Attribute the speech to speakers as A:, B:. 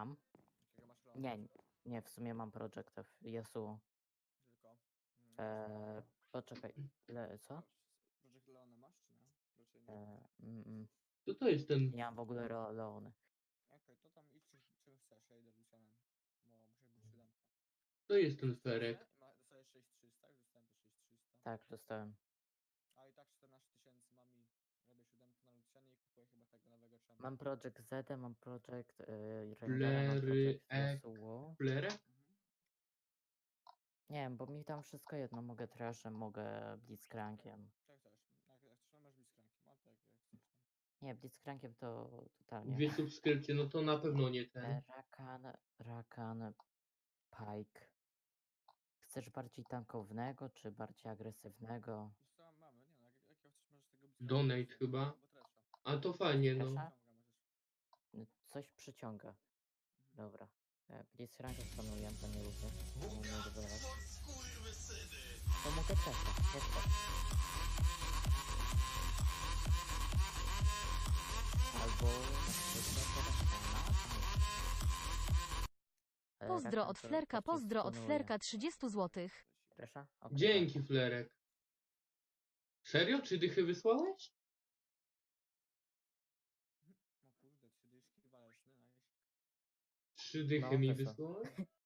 A: Mam.
B: Jakiego masz Leona?
A: Nie, nie, w sumie mam Project F. Yasuo.
B: Tylko.
A: Poczekaj, co?
B: Project Leona masz, czy nie? Raczej nie.
C: To to jest ten...
A: Nie mam w ogóle Leony.
B: Okej, to tam idź czym chcesz, ja idę Lucianem. Bo muszę być 7.
C: To jest ten Ferek.
B: Dostajesz 6300, już dostałem też 6300.
A: Tak, dostałem.
B: A i tak 14 000 mam i robię 7 na Lucianie i kupuję chyba tego nowego czempa.
A: Mam Project Z, mam Project Renegara, mam
C: Flery,
A: Project Yasuo.
C: Flerę?
A: Nie wiem, bo mi tam wszystko jedno. Mogę Trashem, mogę Blitzcrankiem.
B: Tak chcesz, jak chcesz, masz być kranki, ma tak jak chcesz tam.
A: Nie, Blitzcrankiem to totalnie.
C: 2 subskrypcje, no to na pewno nie ten.
A: Rakan, Pike. Chcesz bardziej tankownego, czy bardziej agresywnego?
B: Wiesz co, mamy, nie no, jak chcesz, możesz tego
C: Donate
B: wziąć,
C: chyba.
B: albo Thrasha.
C: A to fajnie, no.
A: Trasha?
B: Ściąga możesz.
A: Coś przyciąga. Dobra. Blitzcrankiem planuję, to nie lubię. To nie lubię. To mogę czekać, Albo...
D: Pozdro od Flerka, pozdro od Flerka 30 zł.
A: Tresha? Okej,
C: Dzięki, Flerek. Serio? 3 dychy wysłałeś?
B: O kurde, 3 dyszki waleczny, nice.
C: 3 dychy
A: No,
C: mi
A: wysłał.
C: wysłałeś?